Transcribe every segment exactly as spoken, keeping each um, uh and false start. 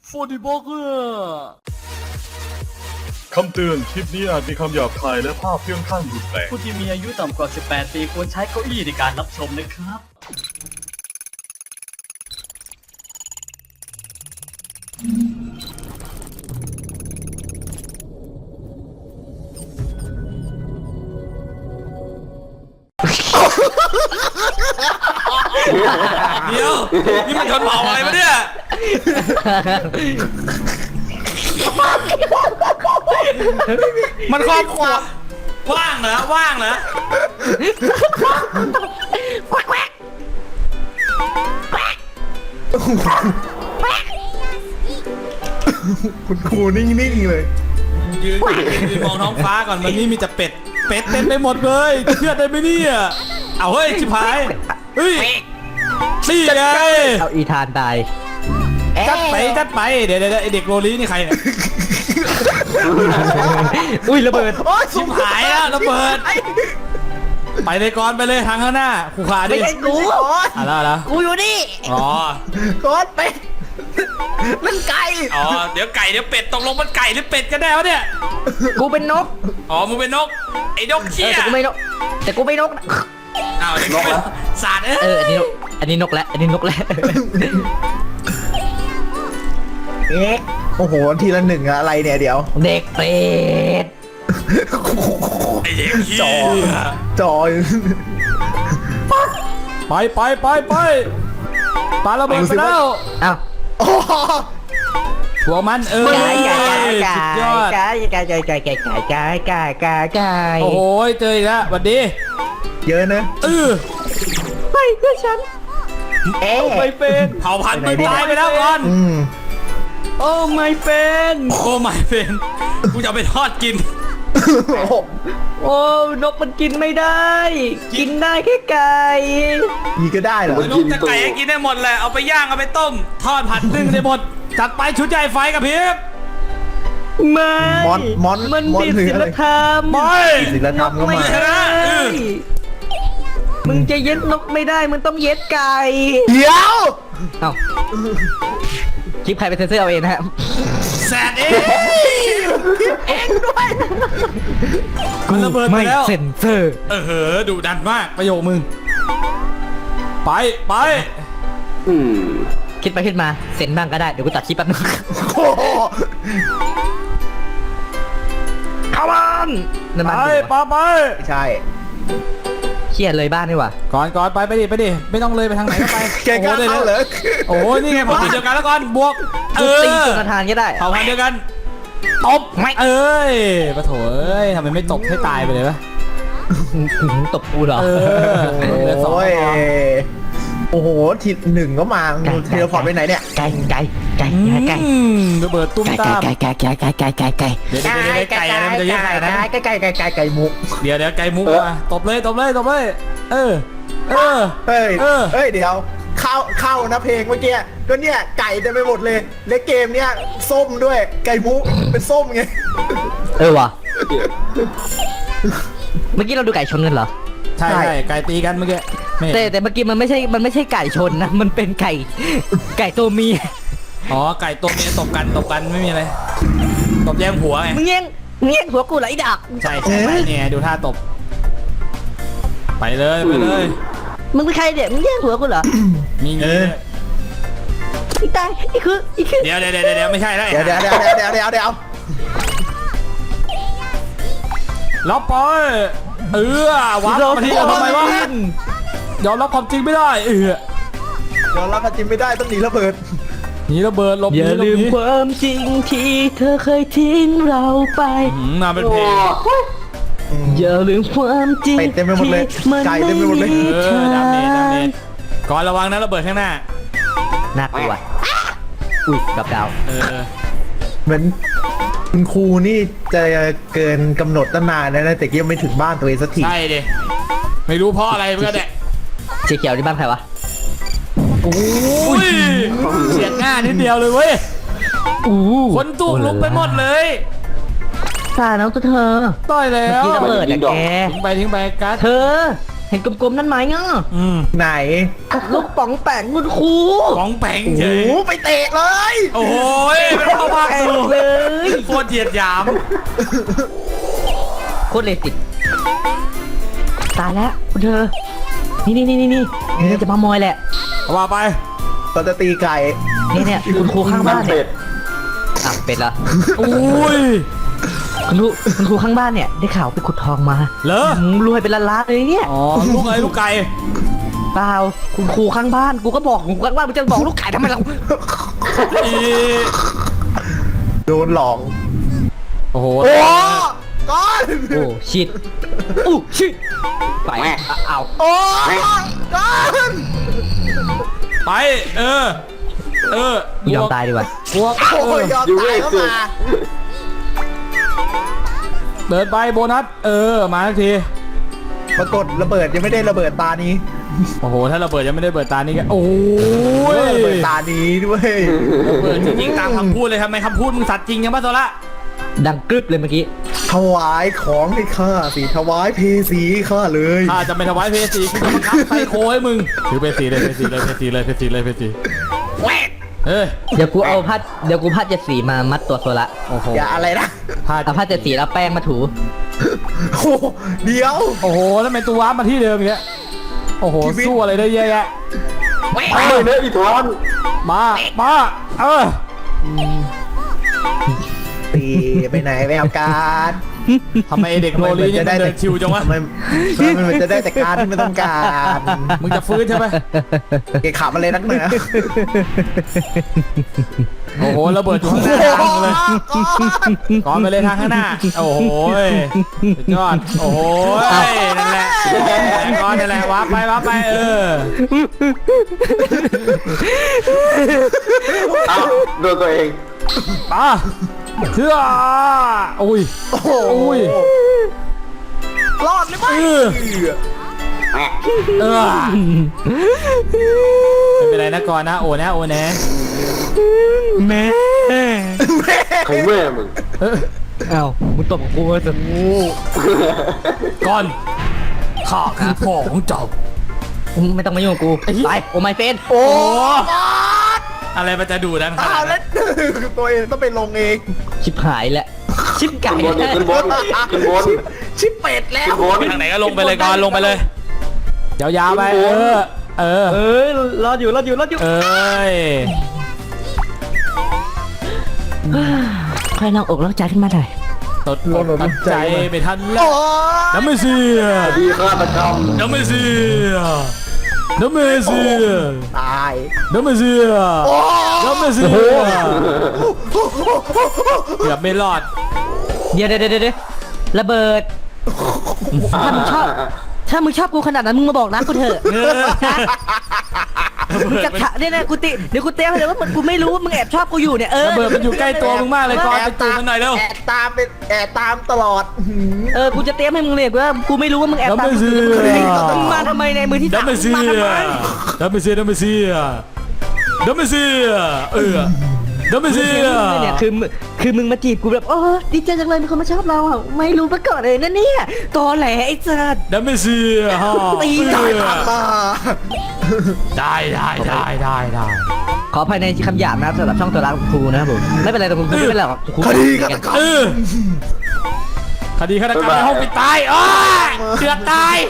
ฟอร์ดิบอกเกอร์คำเตือนคลิปนี้อาจมีคำหยาบคายและภาพเพื่องข้างรุนแรงผู้ที่มีอายุต่ำกว่า สิบแปด ปีควรใช้เก้าอี้ในการรับชมนะครับเดี๋ยวนี่มันชนเผ่าอะไรมาเนี่ยมันครอบครัวว่างเหรอว่างเหรอคุณครูนิ่งๆเลยยืนยืนมองท้องฟ้าก่อนวันนี้มีแต่เป็ดเป็ดเต็มไปหมดเลยเชื่อได้ไหมเนี่ยเอาเฮ้ยชิบหายเฮ้ยนี่ไงเอาอีธานตายจัดไปจัดไปเดี๋ยวเดี๋ยวไอเด็กโรลี่นี่ใครเนี่ยอุ้ยระเบิดชิบหายแล้วระเบิดไปเลยก่อนไปเลยทางข้างหน้าขู่ขาดิไม่ใช่กูอะไรอะไรกูอยู่นี่อ๋อก้อนเป็ดนั่นไก่อ๋อเดี๋ยวไก่เดี๋ยวเป็ดตกลงมันไก่หรือเป็ดกันแน่วะเนี่ยกูเป็นนกอ๋อมึงเป็นนกไอ้นกเอเชี่อย แต่กูไม่นกแต่กูไม่นกอ้าวเด็กสาดเอ้เอออันนี้นกอันนี้นกแล้วอันนี้นกแล้วเอ๊ะโอ้โหทีละหนึ่งอะอะไรเนี่ยเดี๋ยวเด็กเป็ดไอ้เด็กเชี่จอย จอยไปไปไปไปปาระเบิดไปแล้วเอ้าโอ้โหหัวมันเออไก่ไก่ไก่สุดยอดไก่ไก่ไก่ไก่ไก่ไก่ไก่ไก่ไก่ไก่โอ้โหเจออีกแล้วสวัสดีเยอะนะเออไปเพื่อฉันเอ๊ะไม่เป็นเผ่าพันธุ์มึงตายไปแล้วก่อนอืมโอ้ไม่เป็นโอ้ไม่เป็นกูจะเอาไปทอดกินโอ้โหโอ้นกมันกินไม่ได้ กินได้แค่ไก่ยีก็ได้เหรอนกจะไก่ให้กินได้หมดแหละเอาไปย่างเอาไปต้มทอดผัดนึ่งได้หมดจัดไปชุดใหญ่ไฟกับพริบไม่มอนมอนมันมอนผิดหรือศีอะลไรธรรมบอยศีลธรรมก็ไม่มาชนะได้เออมึงจะเย็ดนกไม่ได้มึงต้องเย็ดไก่เดี๋ยวเอ้าคลิปใครเป็นเซนเซอร์เอาเองนะฮะแสดเองเองด้วยมันระเบิดไปไม่แล้วเซนเซอร์เออเหอดุดันมากประโยคมึงไปไปคิดไปคิดมาเซนบ้างก็ได้เดี๋ยวกูตัดคลิปแป๊บนึงโอ้โหเข้าบ้านนั่นไปบ้านกูไปวะไปไม่ใช่เครียดเลยบ้านนี่หว่าก่อนก่อนไปไปดิไปดิไม่ต้องเลยไปทางไหนก็ไปแกกล้าเข้าเหรอโอ้โหนี่ไงพอทีเดียวกันแล้วก่อนบวกเอกูอตีจนทานก็ได้เผ่าพันธุ์เดียวกันตบไม่เอ้ยปะโถเอ้ยทำไมไม่ตบให้ตายไปเลยวะตบกูเหรอเออเหลือสองโอ้ยพอโอ้โหทีหนึ่งก็มาเทเลพอร์ตไปไหนเนี่ยไก่ไก่ไก่อืไก่มระเบิดตุ้มไก่ตามไก่ไก่ไก่ไก่ไก่ไก่ไก่เดี๋ยวเดี๋ยวเดี๋ยวไก่อะไรมันจะเยอะขนาดนั้นไก่ไก่ไก่ไก่ไก่มุกเดี๋ยวเดี๋ยวไก่มุกมาตบเลยตบเลยตบเลยเออเออเฮ้ยเออเฮ้ยเดี๋ยวเข้าเข้านะเพลงเมื่อกี้ก็เนี่ยไก่เต็มไปหมดเลยและเกมเนี่ยส้มด้วยไก่มุกเป็นส้มไงเออว่ะเมื่อกี้เราดูไก่ชนกันเหรอใช่ใช่ไก่ตีกันเมื่อกี้ไม่เห็นแต่แต่เมื่อกี้มันไม่ใช่มันไม่ใช่ไก่ชนนะมันเป็นไก่ไก่ตัวเมียอ๋อไก่ตัวเมียตบกันตบกันไม่มีอะไรตบแย่งผัวไงมึงเงี้ยมึงเงี้ยหัวกูเหรอไอ้ดักใช่ใช่ไปเนี่ยดูท่าตบไปเลยไปเลยมึงเป็นใครเด็กมึงแย่งหัวกูเหรอมีเงินอีตายอีคืออีคือเดี๋ยวเดี๋ยวเดี๋ยวเดี๋ยวไม่ใช่แล้วเดี๋ยวเดี๋ยวเดี๋ยวเดี๋ยวเดี๋ยวเดี๋ยวล็อกปอยเออวัดมาที่เราทำไมวะยอมรับความจริงไม่ได้เออเดี๋ยวรับจริงไม่ได้ต้องหนีระเบิดหนีระเบิดหลบหอนีย่าหลบลืมหนีความจริงที่เธอเคยทิ้งเราไปหืมมาเป็นเพลงอย่าลืมความจริงเป็ดเต็มไปหมดเลยที่มันไก่ไม่เต็มไปหมดเลยมีเอทาอดาเมจดาเมงจก่อนระวังนะระเบิดข้างหน้าน่ากลัวอุ้ยกับดาวเออเหมือนคุณครูนี่จะเกินกำหนดตั้งนานแล้วนะแต่ยังไม่ถึงบ้านตัวเองสักทีใช่ดิไม่รู้เพราะอะไรเหมือนกันแหละสีเขียวที่บ้านใครวะอุ้ยเฉียดหน้านิดเดียวเลยเว้ยอู้คนตุกลุกไปหมดเลยตาน้องตัวเธอต่อยแล้เมื่อวกี้ระเบิดอะแกทิ้งไปทิ้งไปกัสเธอ เห็นกลมๆนั่นไหมเนาะอืมไหนลูกป๋องแปงคุณครูของแปงโอ้เฉโหยไปเตะเลยโอ้ยากสู้เลยโคตรเหยียดหยามโคตรเลติดตายแล้วคุณเธอ นี่นี่นี่นี่นี่นี่จะมามอยแหละเอาว่าไปเราจะตีไก่เนี่ยเนี่ยคุณครูข้างบ้านเนี่ยอ่ะเป็ดละอุ้ยคุณครูคุณครูข้างบ้านเนี่ยได้ข่าวไปขุดทองมาเหรอหืมรวยเป็นล้านๆเลยเนี่ยอ๋อลูกอะไรลูกไก่เปล่าคุณครูข้างบ้านกูก็บอกคุณครูข้างบ้านมึงจะบอกลูกไก่ทำไมเราอีโดนหลอกโอ้โหโอ้ก้อนโอ้ชิดอู้ชิดไปอ่ะเอาโอ้ก้อนไปเออเออยอมตายดีกว่าบวกโอ้ยยอมตายเข้ามาเดินไปโบนัสเออมาทักทีปรากฏระเบิดยังไม่ได้ระเบิดตานี้โอ้โหถ้าระเบิดยังไม่ได้เปิดตานี่ก็โอ้ยระเบิดตานี้ด้วยเปิดจริงๆตามคำพูดเลยทำไมคำพูดมึงสัตว์จริงยังป่ะโซละดังกรึบเลยเมื่อกี้ถวายของให้ข้าสิถวายเพสีข้าเลยถ้าจะไม่ถวายเพสีกูจะบังคับไซโคให้มึงถือเพสีเลยเพสีเลยเพสีเลยเพสีเลยเพสีเฮ้ยเดี๋ยวกูเอาพัดเดี๋ยวกูพัดเจ็ดสีมามัดตัวโซละโอ้โหอย่าอะไรนะพลาดเอาพัดเจ็ดสีแล้วแป้งมาถูโอ้เดี๋ยวโอ้โหแล้วทำไมตัวว้ามาที่เดิมอย่างเงี้ยโอ้โหสู้อะไรได้เยอะแยะไปเลยอีทอนมามาเออตีไปไหนไม่เอาการทำไมเด็กโรลีนี่มันเดินชิวจังวะทำไมทำไมมันจะได้แต่การที่ไม่ต้องการมึงจะฟื้นใช่ไหมเกะขับอะไรนักหนาโอ้โหระเบิดอยู่ข้างหน้าทางเลยก่อนไปเลยทางข้างหน้าโอ้โหสุดยอดโอ้โหนั่นแหละก่อนนั่นแหละว้าไปว้าไปเออเอ้าโดนตัวเองป่ะเชื่อโอ้ยโอ้โหอุ้ยรอดเลยไหมเออเออไม่เป็นไรนะก่อนนะโอ้นะโอ้นะแม่ใครแม่มึงเออเอ้ามึงตบกูมาสิก่อนข้าคือพ่อของเจ้าไม่ต้องมายุ่งกับกูไปโอ้ไม่เฟนโอ้โอ้รอดอะไรมันจะดูดันขอ้านาดวนั้แล้นวตัวเองต้องไปลงเองชิบหายแหละชิบไก่ขึ้นบนขึ้นบนขึ้นบนชิปชิปเป็ดแล้วขึ้นบนไปทางไหนก็ลงไปเลยก่อนลงไปเลยยาวๆไปเออเออเอ้ยรออยู่รออยู่รออยู่เอ้ยค่อยนั่งอกแล้วใจขึ้นมาหน่อยตดตัดใจไม่ทันแล้โอ้วน้ำไม่เสียดีฆาตกรรมน้ำไม่เสียน้ำไม่เสียตายน้ำไม่เสียน้ำไม่เสียเกือบไม่รอดเดี๋ยวเดี๋ยวเดี๋ยวเดี๋ยวระเบิดถ้ามึงชอบถ้ามึงชอบกูขนาดนั้นมึงมาบอกรักกูเถอะเออมึงจะถะเนี่ยนะกูติเดี๋ยวกูเตี้ยให้เลยว่าเหมือนกูไม่รู้ว่ามึงแอบชอบกูอยู่เนี่ยเออระเบิดมันอยู่ใกล้ตัวมึงมากเลยก่อนไปจูบมันหน่อยเร็วแอบตามเป็นแอบตามตลอดหืมเออกูจะเตี้ยให้มึงเลยว่ากูไม่รู้ว่ามึงแอบตามน้ำไม่เสียมึงมาทำไมในมือที่สามน้ำไม่เสีมาย ทำไมน้ำไม่เสียน้ำไม่เสียน้ำไม่เสียเออน้ำไม่เสียเนี่ยคือมึงคือมึงมาจีบกูแบบโอ้ดีใจจังเลยมีคนมาชอบเราอ่ะไม่รู้มาก่อนเลยนะเนี่ยตอแหลไอ้สัสน้ำไม่เสียฮะตีเอได้อมาได้ได้ได้ได้ได้ขอภายในคำหยาบนะสำหรับช่องตัวรักครูนะครับผมไม่เป็นไรแต่ผมไม่เป็นไรหรอกครูคดีฆาตกรรมเออคดีฆาตกรรมในห้องปิดตายอ้ยเดือดตาย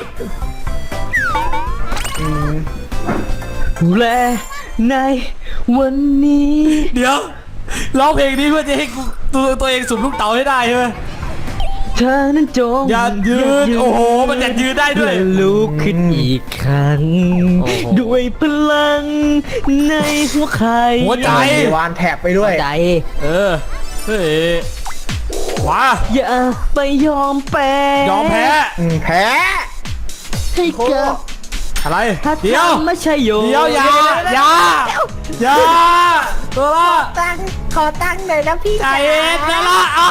ดูแลในวันนี้เดี๋ยวร้องเพลงนี้เพื่อจะให้กูตัวตัวเองสุมลูกเต๋าให้ได้ใช่ไหมเธอนั้นจงอย่ายืนโอ้โหมันจะยืนได้ด้วยและลุกขึ้นอีกครั้งโอ้โหด้วยพลังในหัวใครหัวใจมีวานแท็บไปด้วยใจเออเฮ้ยว้าอย่าไปยอมแพ้ยอมแพ้อืมแพ้ให้กับอะไรถ้าเดี๋ยวทำไม่ใช่โยเดี๋ยวอย่าอย่าอย่าตัวละตั้งขอตั้งหน่อยนะพี่ใจเย็นนะละอ้าว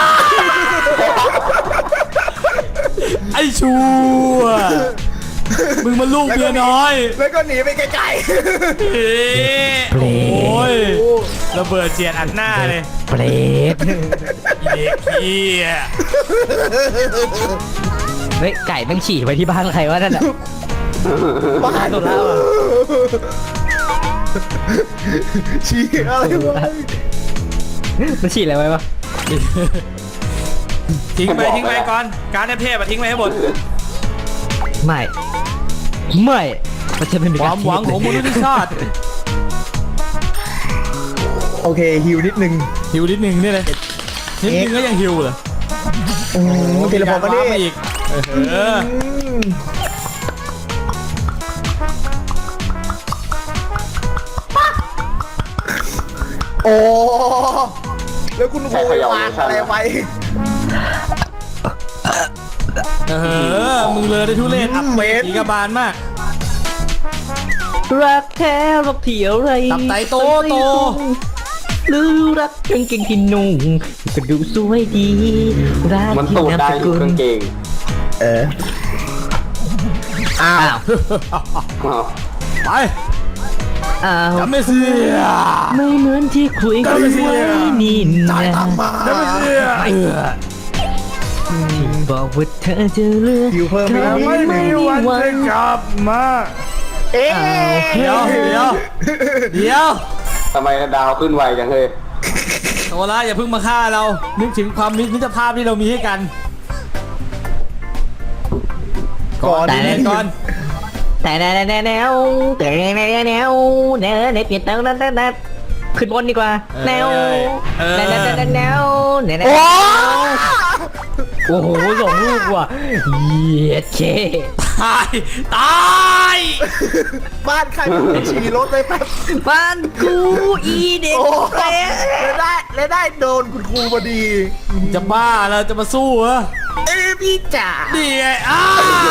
ไอ้ชัวมึงมันลูกเมียน้อยแล้วก็หนีไปไกลเอ๊ะโอ้ยระเบิดเจียนอัดหน้าเลยเปรตอีเด็กขี้ยเฮ้ยไก่แม่งฉี่ไปที่บ้านใครวะนั่นอ่ะๆบ้าตัวแล้วอะชี้อะไรวะมันฉีดอะไรไว้ปะทิ้งไปทิ้งไปก่อนการเทพอะทิ้งไปให้หมดไม่ไม่มันจะเป็นความหวังของมนุษยชาติโอเคฮิวนิดนึงหิวนิดนึงนี่เลยนิดนึงก็ยังหิวเลยอืมเทเลพอร์ตมาดิมาอีกเอออืมโอ้แล้วคุณครูวางอะไรไว้เออมึงเลยได้ทุเรศอับเมตรอีกบาลมากรักแท้รักเที่ยวไรตับไตโตโตหรือรักกางเกงที่นุ่งก็ดูสวยดีรักมันที่ตูดนามได้สอกุยู่ลกางเกงเอออ้าอ้าว วอ้าวไปอ้าวจำไม่เสียไม่เหมือนที่คุยกันไว้นี่นะจำไม่เสียเออบอกว่าเธอจะเลือกฮิวเพิ่มใครไม่ไม่มีวันกลับมาเอ๊ะเดี๋ยวเดี๋ยวเดี๋ยวทำไมดาวขึ้นไวจังเลยโซล่าอย่าเพิ่งมาฆ่าเรา นึกถึงความมิตรภาพที่เรามีให้กันก่อนแต่ดีๆก่อนแต่แนวแนวแนวแต่แนวแนวแนวแนวแนวแนวเปลี่ยนแนวแนวแนวขึ้นบนดีกว่าแนวแนวแนวแนวแนวแนวแนวโอ้โหสองลูกว่ะเยียดเช่ตาย ตายบ้านใครมันฉี่รถไปแป๊บบ้านกูอีเด็กโอ้เปรแล้วได้แล้วได้โดนคุณครูพอดีจะบ้าแล้วจะมาสู้เหรอเอ้ยพี่จ๋านี่ไงอ้า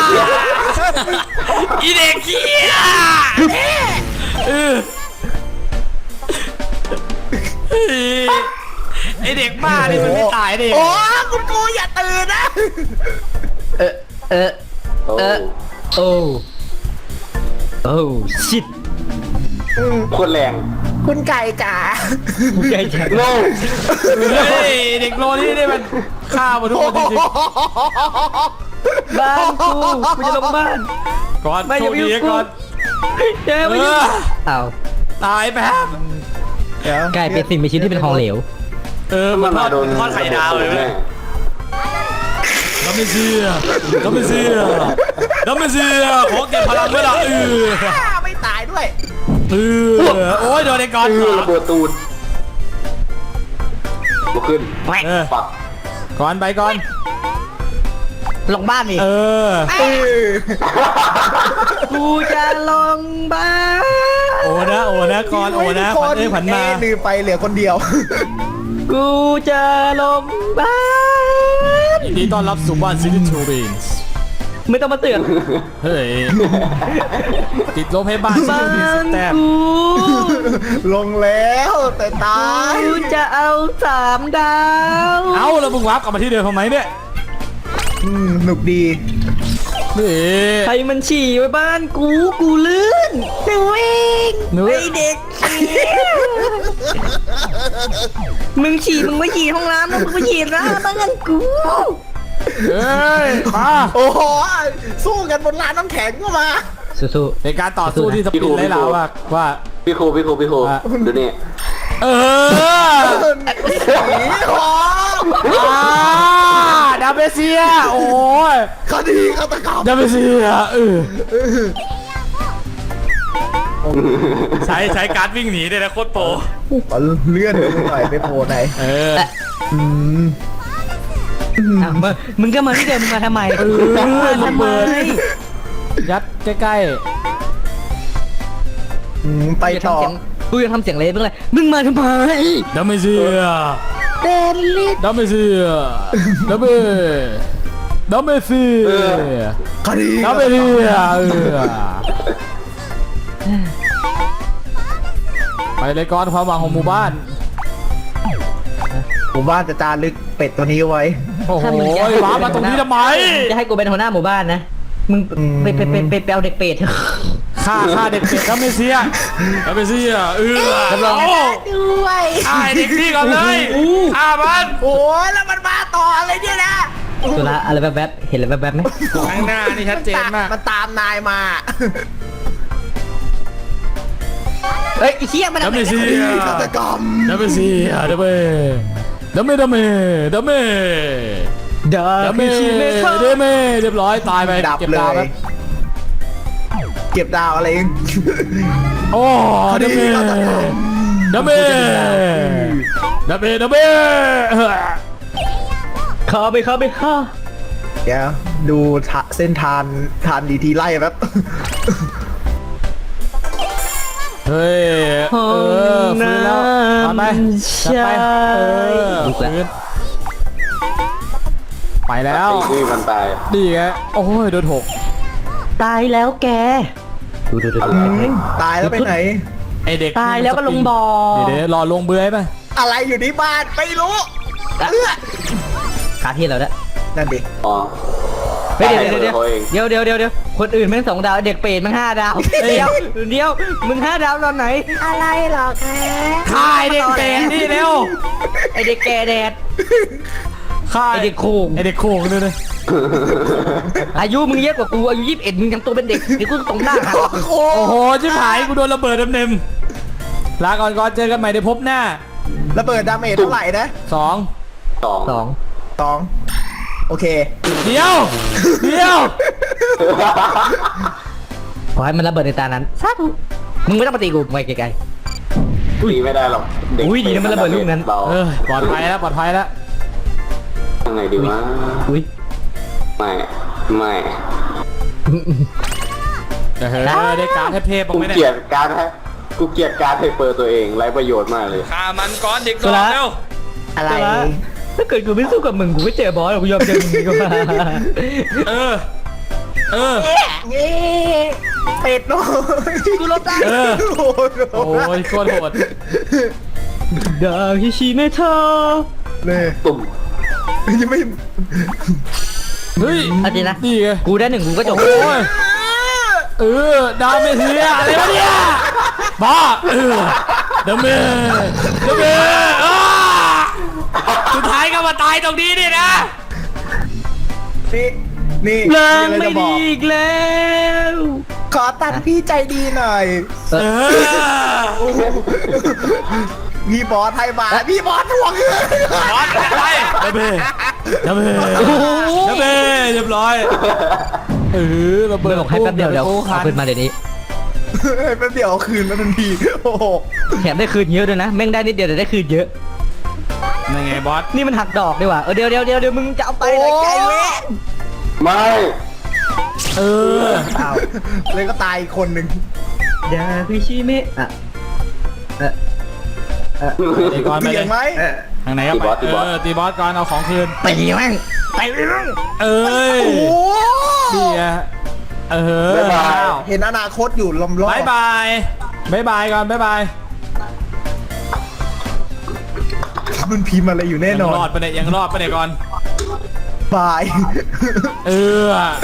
อีเด็กเขี้ยเออไอเด็กบ้านี่มันไม่ตายดิโอ้คุณครูอย่าตื่นนะเออเออโอ้เออโอ้โอ้ชิตโคตรแรงคุณไก่จ๋ากูใจจังโล่เฮ้ยเด็กโลนี่นี่มันฆ่าหมาทุกคนจริงบ้านกูกูจะลงบ้านๆก่อนไม่โชอย่าคไปดียุ่งก่อนเจ๊ไม่ยุ่งเอออ้าวตายแป๊บกลายเป็นสิ่งมีชีวิตที่เป็นทองเหลวเออมัมัน นทมาอดโดนทอดไข่ดาวเลยแม่แม่ดัมเมเซียดัมเมเซียดัมเมเซียขอเก็บพลังไว้ละเออไม่ตายด้วยเออโอ้ยโดนไอ้ก่อนเออระเบิดตูดลุกขึ้นเออปักก่อนไปก่อนลงบ้านอีกเออเออกูจะลงบ้านโอ้นะโอ้นะก่อนโอ้นะขวัญเอ้ยขวัญมาเอ้ยลืมไปเหลือคนเดียวกูจะลงบ้านยินดีต้อนรับสู่บ้านซิลิทูบินส์ไม่ต้องมาเตือนเฮ้ยติดโรงพยาบาลซิบ้าลิทูบินส์นแต้มกูลงแล้วแต่ตายกูจะเอาสามดาวเอ้าแล้วมึงวาร์ปกลับมาที่เดิมทำไมเนี่ยอืมหนุกดีนี่ใครมันฉี่ไว้บ้านกูกูลื่นหนูเองหนูไอเด็กมึงฉี่มึงไม่ฉี่ห้องน้ำมึงไปฉี่หน้าบ้านกูเฮ้ยมาโอ้โหสู้กันบนลานน้ำแข็งก็มาสู้เป็นการต่อสู้ที่สปินไร้ลาวว่าว่าพี่ครูพี่ครูพี่ครูอ่ะดูนี่เออหนีหออ่าดาเมเซียโอ้ยคดีฆาตกรรมดาเมเซียเออใช้ใช้การ์ดวิ่งหนีด้วยนะโคตรโปรเลื่อนไปหน่อยไปโผล่ไหนเอออืมๆอ่ะมึงมึงก็มาที่เดิมมึงมาทำไมเออมาทำไมยัดใกล้อืมไปกูจะต่อทำเสียงกูจะทำเสียงเลยมึงเลยมึงมาทำไมๆดาเมเซียเดนลิสดาเมเซียดาเมดาเมเซียคดีดาเมเซียเออไปเลยก่อนความหวังของหมู่บ้านหมู่บ้านจะจารึกเป็ดตัวนี้ไว้โอ้โหถ้ามึงจะให้ว้ามาตรงนี้ทำไมจะให้กูเป็นหัวหน้าหมู่บ้านนะมึงอืมไปไปไปไปไปเอาเด็กเป็ดเถอะฆ่าฆ่าเด็กเป็ดดาเมเซียดาเมเซียเออรับรองเอาด้วยฆ่าไอ้เด็กนี่ก่อนเลยฆ่ามันโอ้ยแล้วมันมาต่ออะไรเนี่ยนะสุระอะไรแบบแบบๆเห็นอะไรแบบแบบๆไหมข้างหน้านี่ชัดเจนมากมันตามนายมาเอ้ยไอ้เหี้ยมันดัมเมเซียฆาตกรรมดัมเมเซียดัมเมดัมเมดัมเมดัมเมเดาดัมเมคิเมเทอดัมเมเรียบร้อยตายไปดับเก็บเลดาวย ครับเก็บดาวอะไรโอ้ดัมเมดัมเมดัมเมดัมเมเข้าไปเข้าไปเข้าเดี๋ยวดูทะเส้นทานทานดีทีไล่แป๊บเฮ้ยเออฟื้นแล้วมาไปจัดไปเออฟื้นไปแล้วตีนี่มันตายดีไงโอ้ยโดนหกตายแล้วแกดูดูดูอะไรตายแล้วไปไหนไอเด็กตายแล้วก็ลงบ่อเดี๋ยวๆรอลงเบื้อยป่ะอะไรอยู่ที่บ้านไม่รู้ขาที่เราแล้วนั่นดิอ๋อเฮ้ยเดี๋ยวเดี๋ยวขาเองเดี๋ยวเดี๋ยวเดี๋ยวเดี๋ยวคนอื่นแม่งสองดาวเด็กเปรตแม่งห้าดาวเดี๋ยวเดี๋ยวมึงห้าดาวตอนไหนอะไรหรอคะฆ่าไอเด็กเตะนี่เร็วไอเด็กแกแดดฆ่าไอเด็กโค้งไอเด็กโค้งด้วยเลยอายุมึงเยอะกว่ากูอายุยี่สิบเอ็ดมึงยังตัวเป็นเด็กเดี๋ยวกูตรงหน้าหักโอ้โหชิบหายกูโดนระเบิดเต็มๆลาก่อนก่อนเจอกันใหม่ในพบหน้าระเบิดดาเมจเท่าไหร่นะสองสองสองสองโอเคเดี๋ยวเดี๋ยวขอให้มันระเบิดในตานั้นสาธุมึงไม่ต้องมาตีกูไปไกลตีไม่ได้หรอกเด็กอุ้ยดีนะมันระเบิดลูกนั้นเบาเออปลอดภัยแล้วปลอดภัยแล้วยังไงดีวะๆอุ้ยไม่ไม่เฮ้ยได้การเทพๆบ้างกูไหมเกลีเนี่ย ยดการให้กูเกลียดการให้เปิดตัวเองไร้ประโยชน์มากเลยฆ่ามันก่อนเด็กตัวละอะไรแต่ว่าถ้าเกิดกูไม่สู้กับมึงกูไม่เจอบอสหรอกกูยอมเจอมึงดีกว่าเออเออนี่เป็ดน้อยกูลบได้เออโอ้โหโอ้ยโคตรโหดดาฮิชิเมเทอเนี่ยตุ่มยังไม่เฮ้ยเอาจริงนะดีไงกูได้หนึ่งกูก็จบโอ้ยเออดาวเมเทียอะไรวะเนี่ยบ้าเออดาวเมดาวเมอ้าสุดท้ายก็มาตายตรงนี้นี่นะนี่นี่เลิงอะรไม่จะบดีอกอีกแล้วขอตัดพี่ใจดีหน่อยเออพี่บอสไทยมาพี่บอสทวงเงินบอสไปดาวเมดาวเมดาวเมเรียบร้อยเออระเบิเบิดร์บอกให้แป๊บเดียวเดี๋ยวโอ้เอาคืนมาเดี๋ยวนี้แป๊บเดียวเอาคืนมาทันทีโอ้โหแถมได้คืนเยอะด้วยนะแม่งได้นิดเดียวแต่ได้คืนเยอะยังไงบอสนี่มันหักดอกดีกว่าเออเดี๋ยวเดี๋ยวเดี๋ยวเดี๋ยวมึงจะเอาไปไหนไกลเว้ยไม่เอออ้าวเลยก็ตายอีกคนหนึ่งดาฮิชิเมะอ่ะเออเออเดี๋ยวก่อนไปเบี่เลย ยงไหมทางไหนก็ไปเออตีบอสก่อนเอาของคืนไปแม่งไปแม่งเอ้ยโอ้โหดีอะเออบ๊ายบายเห็นอนาคตอยู่ลำล้อบายบายบายบายก่อนบายบายมันพิมพ์อะไรอยู่แน่นอนยังรอดไปเนี่ยยังรอดไปเนี่ยก่อนบายเออ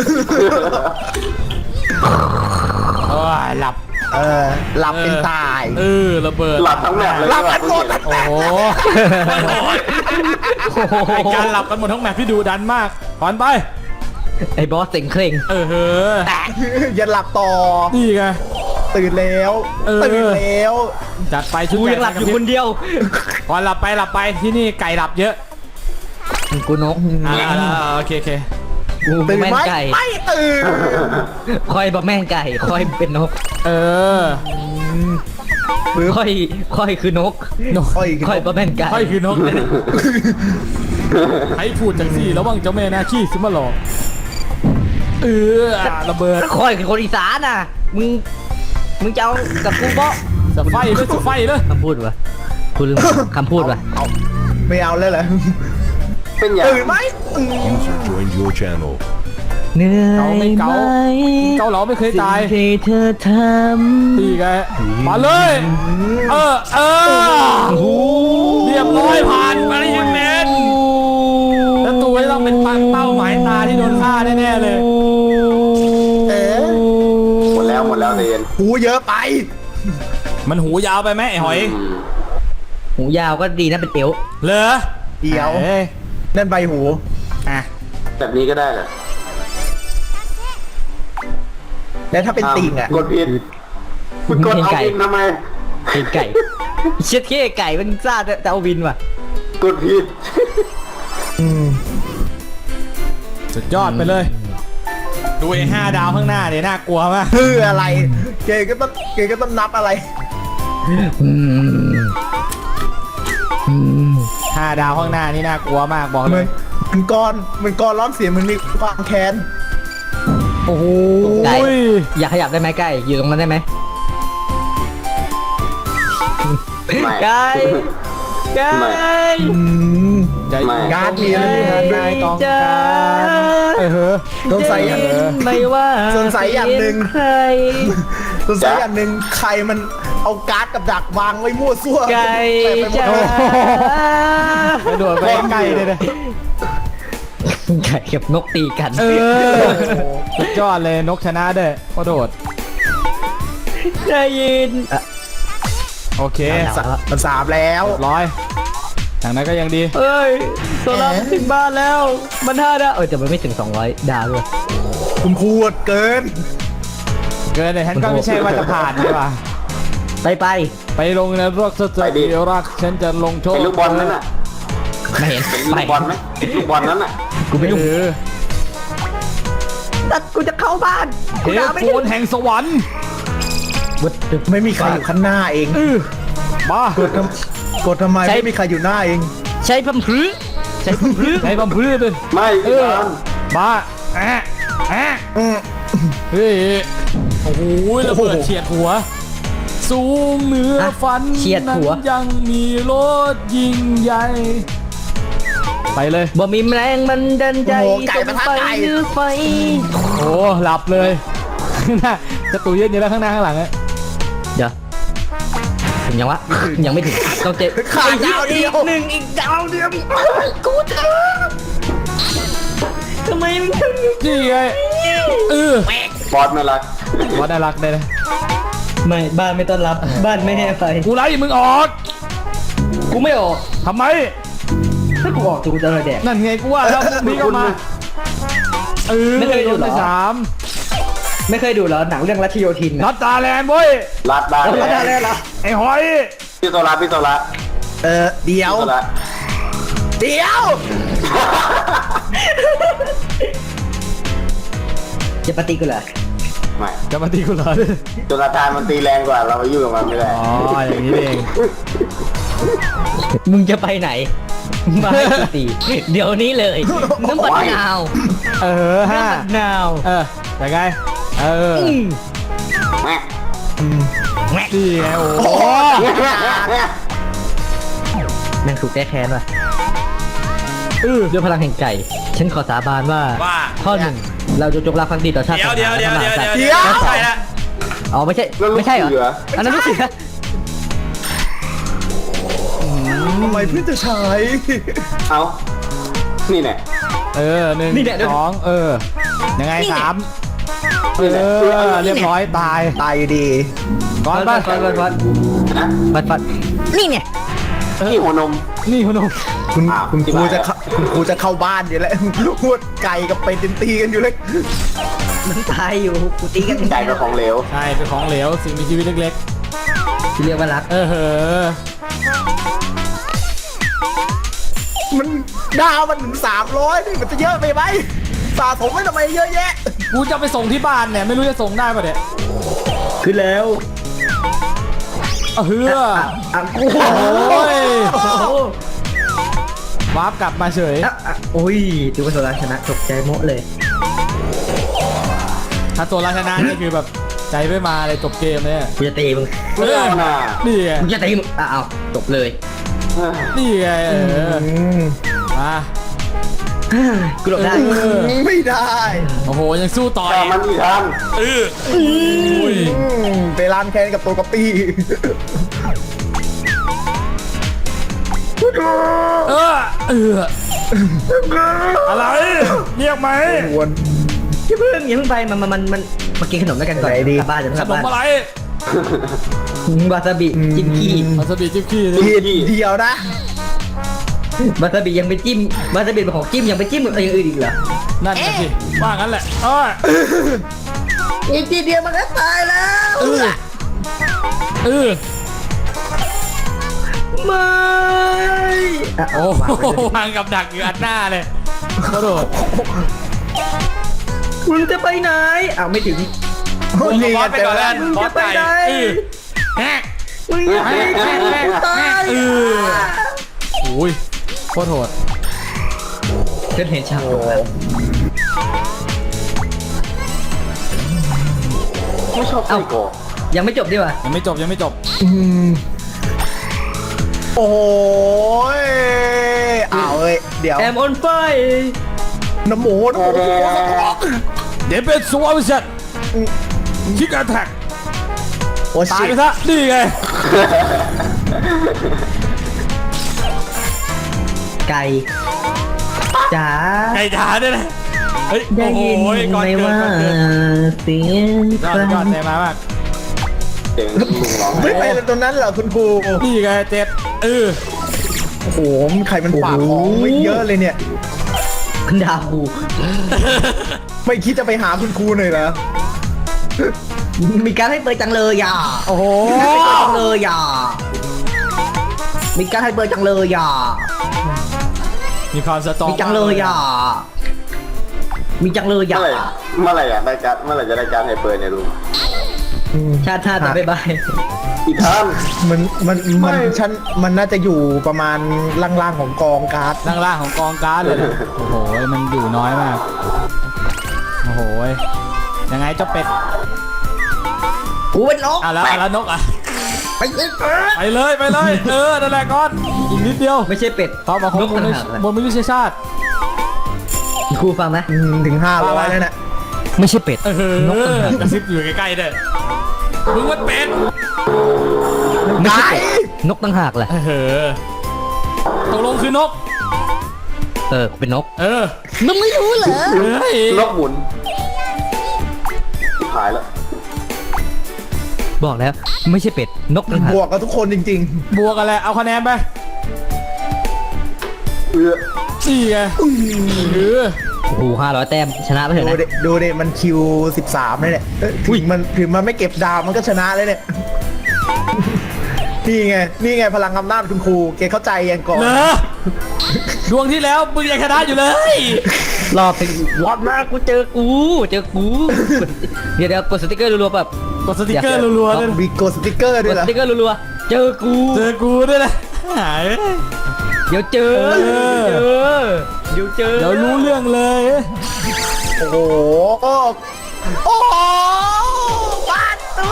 โอ้ยหลับเออหลับเป็นตายเออระเบิดหลับทั้งแมปเลยหลับกันหมดโอ้โหไอการหลับกันหมดทั้งแมปที่ดูดันมากก่อนไปไอ้บอสเสียงเคร่งเออเฮ้ออย่าหลับต่อนี่ไงตื่นแล้วเออตื่นแล้วจัดไปชุดกูใญ่ยังหลับอยู่คนเดียวก่อนหลับไปหลับไปที่นี่ไก่หลับเยอะกูนกอ่าโอเคโอเคกูตื่นแม่นไหมไก่ไม่ตื่นคอยบะแม่นไก่คอยเป็นนกเออคอยคอยคือนกนกค่อยคอยบะแม่นไก่ค่อยคือนกเลยเนี่ยให้พูดจังสี่ระวังเจ้าแม่นาขี้ซิมาหลอกเออระเบิดคอยคือคนอีสานน่ะมึงมึงจะเอากับกูบ่จะไฟเลยจะไฟเลยคำพูดวะกูลืมคำพูดวะเอาไม่เอาเลยเหรอเป็นอย่างตื่นไหมอืม User joined your channel. เหนื่อยเกาไม่เกาไหมเกาเหลาไม่เคยตายสิ่งที่เธอทำตีไงมาเลย เออเออเรียบร้อยผ่านมาได้ยังเน้นแล้วตัวจะต้องเป็นปังเป้าหมายตาที่โดนฆ่าแน่ๆเลยเอ๊ะหมดแล้วหมดแล้วเรียนหูเยอะไปมันหูยาวไปไหมไอ้หอยอืมหูยาวก็ดีนะเป็นเตี๋ยวเหรอเดี๋ยวอ้นั่นใบหูอ่ะแบบนี้ก็ได้เหรอแล้วถ้าเป็นติ่งอ่ะกดผิดคุณกดเอาเองทำไมเพลงไก่เช็ดเค้ไก่มันซ่าแต่แต่เอาวินว่ะกดผิดสุดยอดไปเลย ดูไอ้ห้าดาวข้างหน้าเนี่ยน่ากลัวมากคืออะไรเกย์ก็ต้องเกย์ก็ต้องนับอะไรอืมอืมห้าดาวข้างหน้านี่น่ากลัวมากบอกเหเลมือย นมันกรมันกรร้องเสียงมันมีความแค้นโอ้โหไก่อยากขยับได้ไหมไก่อยู่ตรงนั้นได้ไหมไม่ไก่ไก่ไม่อืมใจไม่การ์ดมีอะไรอยู่ในนั้นด้วยนายต้องการเออเฮ้อสงสัยอย่างเออไม่ว่าสงสัยอย่างหนึ่งใครสงสัยอย่างหนึ่งใครมันเอาการ์ดกับดักวางไว้มั่วซั่วไก่เต็มไปหมดจ้าเลยกระโดดไปใกล้เลยนะไก่กับนกตีกันเออสุดยอดเลยนกชนะเด้อกระโดดได้ยินอ่ะโอเคสามมันสามแล้วเรียบร้อยทางนั้นก็ยังดีเอ้ยโซล่ามันถึงบ้านแล้ว มันห้าดาวเออแต่มันไม่ถึงสองร้อยดาวด้วยคุณพูดเกินเกินเลยฉันก็ไม่ใช่ว่าจะผ่านใช่ป่ะไปไปไปลงในรกสตรีเดียวรักฉันจะลงโทษเห็นลูกบอลนั้นน่ะไม่เห็นเห็นไปลูกบอลไหมลูกบอลนั้นน่ะกูไม่ยุ่งเออแต่กูจะเข้าบ้านเทกูปด่าไม่โฟถึนงแห่งสวรรค์ไม่มีใครอยู่ข้างหน้าเองบ้ากดทำกดทำไมไม่มีใครอยู่หน้าเองใช้พัมพื้ใช้พัมพื้ในบัมพื้นเลยไม่เอพี่อบอลบ้าแอะแอะอืมเฮ้ยโอ้โหระเบิดเฉียดหัว สูงเหนือฟันเฉียดหัวนั้นยังมีรถยิ่งใหญ่ ไปเลยบ่มีแรงมันดันใจโอ้โหไก่ส่ปะงทะไปไก่หรือไฟโอ้หลับเลย น่าจะตูเย็นอยู่แล้วข้างหน้าข้างหลังอะเดี๋ยวถึงยังวะ ยังไม่ถึงต้องเจ็บขาดดาวเดียวอีกหนึ่งอีกดาวเดียวกูเถอะทำไมมึงทำอย่างนี้นี่ไงเออบอลไม่รักว่าน่ารักได้เลยไม่บ้านไม่ต้อนรับ บ้านไม่ให้ไฟกูไล่มึงออกกูไม่ออกทำไมถ้ากูออกกูจะอะไรแดกนั่นไงกูว่าแล้วพวกนี้ก็มาเออไม่เคยดูเหรอโนไปสามไม่เคยดูเหรอหนังเรื่องลัทธิโยธินนันะดตาแลนด์เว้ยรัดได้แล้วได้แล้วเหรอไอ้หอยพี่โซลาพี่โซลาเออเดี๋ยวพี่โซลาเดี๋ยวจะปฏิกูเหรอไม่จะมาตีกูเหรอโจนาธานมันตีแรงกว่าเราไปยุ่งกับมันไม่ได้อ๋ออย่างนี้เองมึงจะไปไหน มาให้กูตีเดี๋ยวนี้เลยน้ำปัดนาวเออห้าน้ำปัดนาวเออยังไงเอออืมแม่แม่งนี่ไงโอ้โหแม่งถูกแก้แค้นว่ะเออด้วยพลังแห่งไก่ ฉันขอสาบานว่าว่าข้อหนึ่งเราจะจงรักภักดีต่อชาติเดี๋ยวเดี๋ยวเดี๋ยวเดี๋ยวเดี๋ยวเดี๋ยวไม่ใช่ละอ๋อไม่ใช่แล้วลูกไม่ใช่เหรอเสืออันนั้นลูกเสือทำไมเพื่อนจะใช้เอานี่แน่เออหนึ่งสองเออยังไงสามเอนี่แหละอเรียบร้อยตายตายอยู่ดีก่อนฟัป่ะดฟัดฟัดฟัดนะฟัดฟัดนี่ไงนี่หัวนมนี่คุณหนุ่มคุณอ้าวคุณครูที่จะบ้านเข้าคุณครูจะเข้าบ้านอยู่แล้วพูดไก่กับเป็ดตีกันอยู่เลยมันตายอยู่กูตีกันไก่กับของเหลวใช่เป็นของเหลวสิ่งมีชีวิตเล็กที่เรียกว่ารักๆ เออเหอะมันดาวมันถึงสามร้อยนี่มันจะเยอะไปไหมสะสมไว้ทำไมเยอะแยะกูจะไปส่งที่บ้านเนี่ยไม่รู้จะส่งได้ป่ะเนี่ยขึ้นแล้วเออเฮ้ออ่ะกูโอ้ยโอ้โหวาร์ปกลับมาเฉยอ่ะอ่ะโอ้ยดูว่าโซลาชนะตกใจโมะเลยถ้าตัวราชนะนี่คือแบบใจไม่มาเลยจบเกมเนี่ยกูจะตีมึงเออเอาน่ะนี่ไงกูจะตีมึงอ่ะเอาจบเลยเออนี่ไงเออมมากูหลบได้เออไม่ได้โอ้โหยังสู้ต่อแต่อีกมันอีกทันเอออุ้ยอืมไปร้านแคนกับตัวกระปี้เออเอออะไรเรียกไหมวนอย่าเพิ่งอย่าเพิ่งไปมันมันมันมันมากินขนมด้วยกันก่อนไหนดีกลับบ้านจะขกลับนมบ้านอะไรวาซาบิจิ้มขี้วาซาบิจิ้มขี้เดียวเดียวนะวาซาบิยังไปจิ้มวาซาบิเป็นของจิ้มยังไปจิ้มกับอย่างอื่นอีกเหรอนั่นน่ะสิว่างั้นแหละเอออีกทีเดียวมันก็ตายแล้วเออเออไม่อ่ะโอ้โหวางกับดักอยู่อัดหน้าเลยกระโดดมึงจะไปไหนอ้าวไม่ถึงนี่บไงอสไปเจก่ออน แล้แล้ว วบอสไก่เออแฮกมึงจะไปไหนตายเออโอ้ยโคตรโหดเกิดเหตุฉากตรงนั้นไม่ชอบไส้กรอกยังไม่จบดีกว่ายังไม่จบยังไม่จบโอ้ยอ้าวเอ้ยเดี๋ยวแอมออนไฟน้ำหมูน้ำหมูเดี๋ยวเป็นสวอวิชันคิกแอทแทกโอ้ตายชิไปซะนี่ไงไก่จ๋าไก่จ๋าด้วยนะเฮ้ยได้โอ้โหยินก่อนไหมเกินว่าก่อนเกินเสียงยใคอดรยอดเต็มมามากเสียงลุงร้องไม่ไปตรงนั้นเหรอคุณครูนี่ไงเจ็บเออโอ้โหใครมันฝากของไม่เยอะเลยเนี่ยคุณดาวไม่คิดจะไปหาคุณครูหน่อยเหรอมีการให้เปิดจังเลยอ่ะโอ้โหมีการให้เปิดจังเลยอ่ะมีการให้เปิดจังเลยอ่ะมีความสตรองมีจังเลยอ่ะมีจังเลยเมื่อ่ะอไหร่เมื่อไหร่อยากได้การดเมื่อไหร่จะได้การดไฮเปอร์เนี่ยลุงชาติชาติจะบ๊ายบายอีกท่านมันมันมันไม่ฉันมันน่าจะอยู่ประมาณล่างๆของกองการ์ดล่างๆของกองการ์ดเลยนะโอ้โหมันอยู่น้อยมากโอ้โหยังไงเจ้าเป็ดกูเป็นนกอ่ะแล้วอ่ะแล้วนกอ่ะไปเลยไปเลยไปเลยเออนั่นแหละก่อนอีกนิดเดียวไม่ใช่เป็ดเข้ามาครนบกบนต่างหากบนมนุษยชาติครูฟังนะอืมถึงห้าร้อยแล้วน่ะไม่ใช่เป็ดเออกระซิบอยู่ใกล้ๆเด้อมึงมันเป็นไม่ใช่เป็ดนกต่างหากแหละเออตกลงคือนกเออเป็นนกเออมึงไม่รู้เหรอเฮ้ยนกหมุนหายแล้วบอกแล้วไม่ใช่เป็ดนกต่างหากบวกกับทุกคนจริงบวกกันแหละเอาคะแนนไปเออสี่ไงเออโอ้โหห้าร้อยแต้มชนะไปๆเถอะดูนะดิดูดิมันคิวสิบสามเลยเนี่ยเอ้ยถึงมันถึงมันไม่เก็บดาวมันก็ชนะเลยเนี่ย นี่ไง นี่ไงพลังอำนาจคุณครูเกเข้าใจยังก่อนเหรอดวงที่แล้วมึงยังชนะอยู่เลยรอบเป็นรอบหน้ากูเจอกูเจอกูเดี๋ยวเดี๋ยวกดสติ๊กเกอร์รัวๆแบบกดสติกเกอร์รัวๆเลยมีกดสติกเกอร์กด้วยดเหรสอติ๊กเกอร์รัวๆเจอกูเจอกูด้วยนะหายเดี๋ยวเจอเออเดี๋ยวเจอเดี๋ยวรู้เรื่องเลยโอ้โห โอ้โหบ้านตู้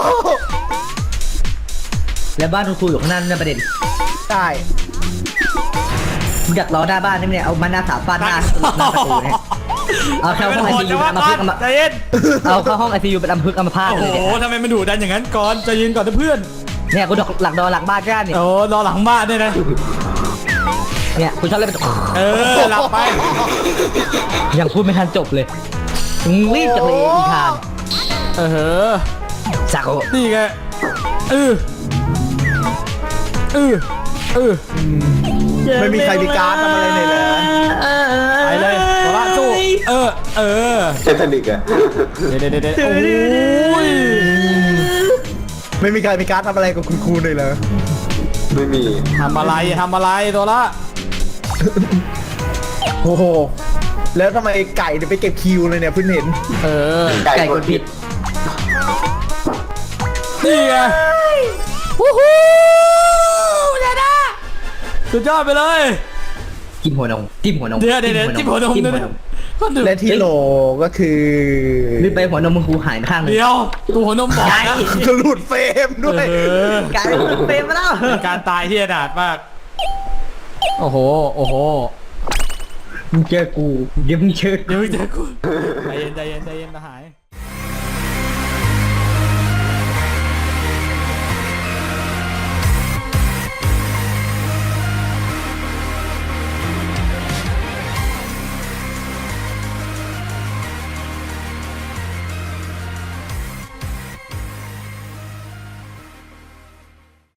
แล้วบ้านคุณครูอยู่ข้างหน้านั่นประเด็นได้มึงอยากล้อหน้าบ้านนี่เนี่ยเอามาหน้าสามฟาดหน้าหน้าประตูเนี่ยเอาเข้าห้องไอซียูเป็นอัมพฤกษ์อัมใจเย็นเอาเข้าห้องไอซียูเป็นอัมพฤกษ์อัมพาตโอ้เลยโหเนี่ยทำไมมันดุดันอย่างนั้นก่อนใจเย็นก่อนนะเพื่อนเนี่ยกูดอกหลักดอหลังบ้านก้านเนี่ยโอ้รอหลังบ้านด้วยนะเนี่ยกูชอบเล่นเป็นเออหลับไปยังพูดไม่ทันจบเลยมึงรีบจังเลยอีทานเออสักโอนี่ไงเออเออเออไม่มีใครมีการ์ดทำอะไรเลยเลยไปเลยโซล่าสู้เออเออเททานิกอะเดี๋ยวเดี๋ยวเดี๋ยวโอ้ยไม่มีใครมีการ์ดทำอะไรกับคุณครูเลยเหรอไม่มีทำอะไรทำอะไรตัวละโอ้โห แล้วทำไมไก่เนี่ยไปเก็บคิวเลยเนี่ยเพิ่งเห็นเออไก่ไก่กกดดผิผิดดนี่ไงวู้ฮู้ชนะสุดยอดไปเลยจิ้มหัวนมจิ้มหัวนมเดี๋ยวเดี๋ยวเดี๋ยวจิ้มหัวนมจิ้มด้วยหัวนะนมคนดูและที่โหลก็คือรีบไปหัวนมมึงกูหายไปข้างหนึงเดี๋ยวตัวหัวนมบอกนะหลุดเฟรมด้วยเออกลายเป็นเฟรมไปแล้วเป็นการตายที่อนาถมาก โอ้โห โอ้โหมึงเจอกูเดี๋ยวมึงเจอกูเดี๋ยวมึงเจอกูใจเย็นใจเย็นใจเย็นทหาร